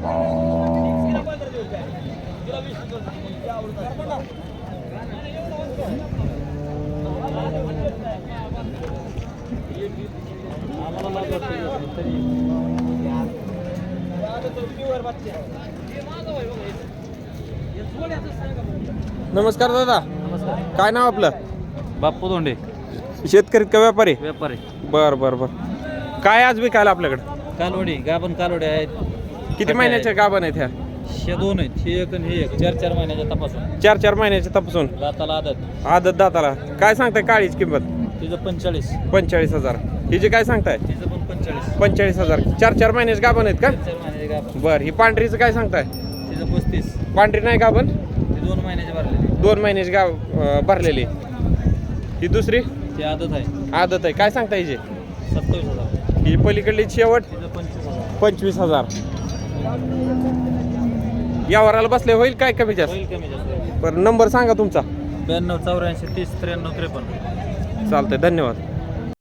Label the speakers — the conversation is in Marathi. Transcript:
Speaker 1: नमस्कार दादा.
Speaker 2: नमस्कार.
Speaker 1: काय नाव आपलं?
Speaker 2: बाप्पू धोंडे.
Speaker 1: शेतकरी का व्यापारी?
Speaker 2: व्यापारी.
Speaker 1: बर बर बर. काय आज विकायला आपल्याकडे?
Speaker 2: कालवडी गाभण कालवडी आहेत.
Speaker 1: किती महिन्याच्या गाभण आहेत ह्या?
Speaker 2: हे दोन आहेत, हे एक आणि हे एक. 4-4 महिन्याच्या तपासून.
Speaker 1: 4-4 महिन्याच्या तपासून
Speaker 2: दाताला आदत.
Speaker 1: आदत दाताला. काय सांगताय काळीची किंमत?
Speaker 2: तिचं 45.
Speaker 1: 45,000. हिची काय सांगताय?
Speaker 2: तिचं पण 45.
Speaker 1: 45,000. 4-4 महिन्याचे गाभण आहेत का?
Speaker 2: 4 महिन्याचे गाभण.
Speaker 1: बर. ही पांढरीचं काय सांगताय?
Speaker 2: तिचं 35.
Speaker 1: पांढरी नाही गाभण?
Speaker 2: ती 2 महिन्याचे भरलेली.
Speaker 1: 2 महिन्याची गाव भरलेली. ही दुसरी
Speaker 2: ती आदत आहे.
Speaker 1: आदत आहे. काय सांगता हिची?
Speaker 2: 27,000.
Speaker 1: ही पलीकडली शेवट
Speaker 2: तिचं 25,000.
Speaker 1: 25,000. यावराला बसले होईल काय कमी जास्त?
Speaker 2: होईल कमी जास्त.
Speaker 1: बरं नंबर सांगा तुमचा.
Speaker 2: 92 84 30 93 53.
Speaker 1: चालतंय धन्यवाद.